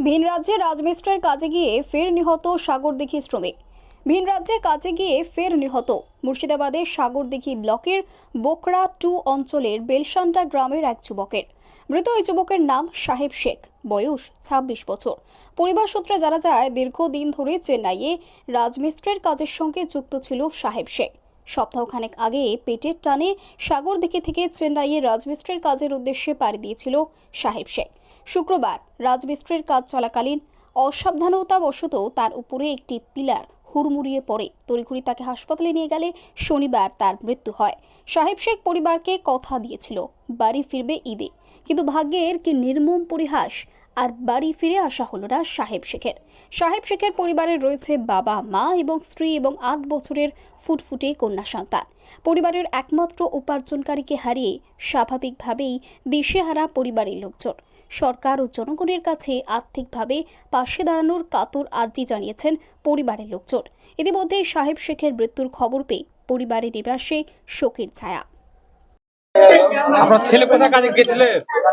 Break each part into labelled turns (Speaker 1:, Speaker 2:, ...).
Speaker 1: ভিন রাজ্যে রাজমিস্ত্রির কাজে গিয়ে ফের নিহত সাগরদিঘি শ্রমিক। ভিন রাজ্যে কাজে গিয়ে ফের নিহত মুর্শিদাবাদের সাগরদিঘি ব্লকের বোকরা 2 অঞ্চলের বেলসান্ডা গ্রামের এক যুবকের। মৃত ওই যুবকের নাম সাহেব শেখ, বয়স 26 বছর। পরিবার সূত্রে জানা যায়, দীর্ঘদিন ধরে চেন্নাইয়ে রাজমিস্ত্রির কাজের সঙ্গে যুক্ত ছিল সাহেব শেখ। সপ্তাহখানেক আগে পেটের টানে সাগরদিঘি থেকে চেন্নাইয়ে রাজমিস্ত্রির কাজের উদ্দেশ্যে পাড়ি দিয়েছিল সাহেব শেখ। শুক্রবার রাজমিস্ত্রির কাজ চলাকালীন অসাবধানতাবশত তার উপরে একটি পিলার হুড়মুড়িয়ে পড়ে। তড়িঘড়ি তাকে হাসপাতালে নিয়ে গেলে শনিবার তার মৃত্যু হয়। সাহেব শেখ পরিবারকে কথা দিয়েছিল বাড়ি ফিরবে ঈদে, কিন্তু ভাগ্যের কি নির্মম পরিহাস, আর বাড়ি ফিরে আসা হলো না সাহেব শেখের। সাহেব শেখের পরিবারের রয়েছে বাবা, মা এবং স্ত্রী এবং 8 বছরের ফুটফুটে কন্যা সন্তান। পরিবারের একমাত্র উপার্জনকারীকে হারিয়ে স্বাভাবিকভাবেই দিশেহারা পরিবারের লোকজন। সরকার ও জনগণের কাছে আর্থিকভাবে পাশে দাঁড়ানোর কাতর আর্জি জানিয়েছেন পরিবারের লোকজন। ইতিমধ্যে সাহেব শেখের মৃত্যুর খবর পেয়ে পরিবারের নিবাসে শোকের ছায়া।
Speaker 2: আপনার ছেলে কোথায় কাজে গেছিলে?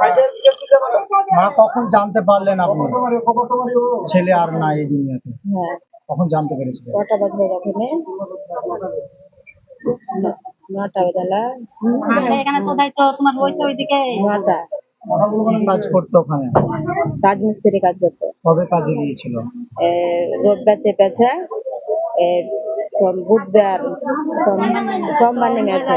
Speaker 3: কখন জানতে পারলেন আপনি ছেলে আর নাই এই দুনিয়াতে?
Speaker 4: হ্যাঁ,
Speaker 3: কখন জানতে পেরেছিলেন?
Speaker 4: কটা বাজে ওখানে? 9টা বেলা।
Speaker 5: আমরা এখানে সবাই তো তোমার রয়েছে ওইদিকে
Speaker 4: 9টা।
Speaker 3: কি কাজ করতো ওখানে?
Speaker 4: রাজমিস্ত্রি কাজ করতো।
Speaker 3: কবে কাজে গিয়েছিল?
Speaker 4: রোববার চেপেছে, বুধবার, সোমবার নেমেছে।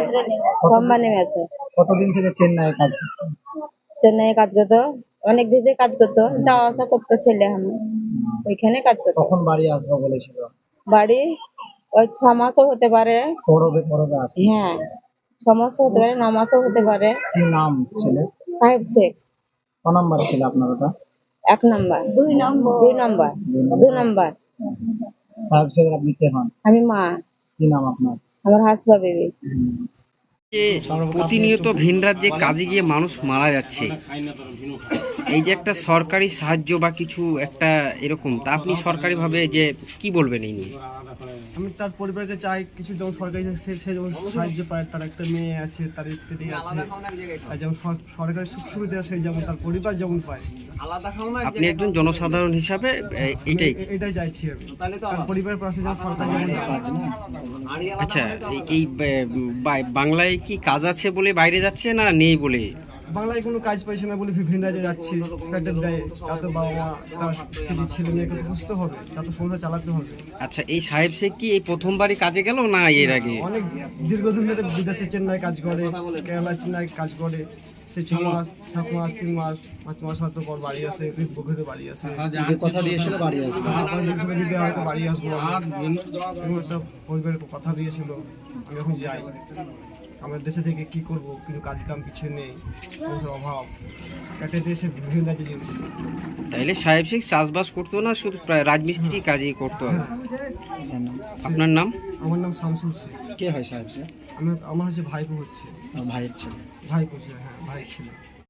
Speaker 3: কতদিন থেকে চেন্নাই কাজ করতো?
Speaker 4: চেন্নাই কাজ করতো, অনেক দিন থেকে কাজ করতো, যাওয়া আসা করতো ছেলে। আমি ওইখানে কাজ করতো।
Speaker 3: কখন বাড়ি আসবো বলেছিল?
Speaker 4: বাড়ি ওই 6 মাসও হতে পারে।
Speaker 3: পরবে আসে।
Speaker 4: হ্যাঁ, 6 মাসও হতে পারে, 9 মাসও হতে পারে।
Speaker 3: কি নাম ছেলে?
Speaker 4: সাহেব শেখ।
Speaker 3: ক নাম্বার ছিল আপনার ওটা?
Speaker 4: 1 নাম্বার। 2 নাম্বার।
Speaker 3: সাহেব শেখ আপনি কে হন?
Speaker 4: আমি মা।
Speaker 3: কি নাম আপনার?
Speaker 4: আমার হাসবা বেবি।
Speaker 6: প্রতিনিয়ত ভিন রাজ্যে কাজে গিয়ে মানুষ মারা যাচ্ছে, এই যে একটা সরকারি সাহায্য বা কিছু একটা এরকম, তা আপনি সরকারিভাবে যে কি বলবেন এই নিয়ে?
Speaker 7: আমি তার পরিবারকে চাই কিছু, যেমন সরকারি সে যেমন সাহায্য পায়, তার একটা মেয়ে আছে, তার স্ত্রী আছে, আর যেমন সরকারি সুখ সুবিধা আছে যেমন তার পরিবার যেমন পায়।
Speaker 6: আপনি একজন জনসাধারণ হিসাবে
Speaker 7: এটাই চাইছি আমি, তার পরিবারের পাশে যেমন সরকার যেমন কাজ না।
Speaker 6: আচ্ছা, এই বাংলায় কি কাজ আছে বলে বাইরে যাচ্ছে না নেই বলে?
Speaker 7: বাংলায় কোনো কাজ পাইছে না বলে ভিন রাজ্যে যাচ্ছি, পেটের দায়ে। তাতে বাবা মা, তার স্ত্রী, ছেলে মেয়েকে বুঝতে হবে, তাতে সংসার চালাতে হবে।
Speaker 6: আচ্ছা, এই সাহেব শেখ কি এই প্রথমবারই কাজে গেল না এর আগে?
Speaker 7: অনেক দীর্ঘদিন ধরে বিদেশে চেন্নাই কাজ করে, কেরালা চেন্নাই কাজ করে। সে 6 মাস, 7 মাস, 3 মাস, 5 মাস হয়তো পর বাড়ি আসে, বন্ধুতে বাড়ি আসে।
Speaker 3: কথা দিয়েছিল বাড়ি আসবে।
Speaker 7: হয়তো বাড়ি আসবো, একটা পরিবারের কথা দিয়েছিল। আমি এখন যাই, আমার দেশে থেকে কি করব, কিন্তু কাজ কাম কিছু নেই, অভাব, একটা দেশে বিভিন্ন রাজ্যে গিয়েছি।
Speaker 6: তাইলে সাহেব শেখ চাষবাস করতো না, শুধু রাজমিস্ত্রি কাজই করতো? আপনার নাম?
Speaker 7: আমার নাম শামসুল শেখ।
Speaker 3: কে হয় সাহেব শেখ?
Speaker 7: আমার হচ্ছে ভাইপো হচ্ছে।
Speaker 3: ভাইয়ের ছেলে।
Speaker 7: ভাইপো ছিল, হ্যাঁ, ভাই ছিল।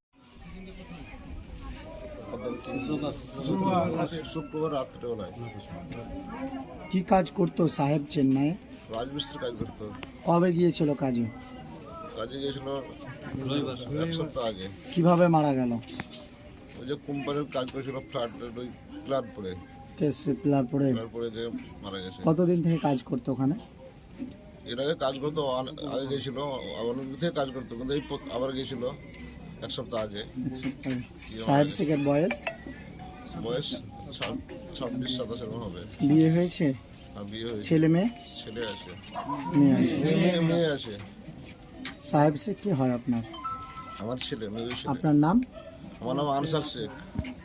Speaker 8: শুক্রবার রাত্রেবেলায়
Speaker 3: কি কাজ করতো সাহেব চেন্নাই?
Speaker 8: রাজমিস্ত্রি কাজ করতো।
Speaker 3: কবে গিয়েছিল কাজে?
Speaker 8: কাজে গিয়েছিল 1 সপ্তাহ আগে।
Speaker 3: কিভাবে মারা গেল?
Speaker 8: ওই যে কোম্পানির কাজ করেছিল ফ্ল্যাটের, ওই প্ল্যান পরে
Speaker 3: পিলার পড়ে
Speaker 8: যে মারা গেছে।
Speaker 3: কতদিন থেকে কাজ করতো ওখানে?
Speaker 8: এর আগে কাজ করতো, আগে গিয়েছিল, অনেকদিন থেকে কাজ করতো, কিন্তু এই আবার গিয়েছিল 1 সপ্তাহ আগে।
Speaker 3: সাহেব শেখের বয়স
Speaker 8: 26-27 হবে।
Speaker 3: বিয়ে হয়েছে?
Speaker 8: বিয়ে হয়েছে।
Speaker 3: ছেলে মেয়ে?
Speaker 8: ছেলে আছে,
Speaker 3: মেয়ে
Speaker 8: আছে।
Speaker 3: সাহেব শেখ কি হয় আপনার?
Speaker 8: আমার ছেলে, মেয়ে ছেলে।
Speaker 3: আপনার নাম?
Speaker 8: আমার নাম আনসার শেখ।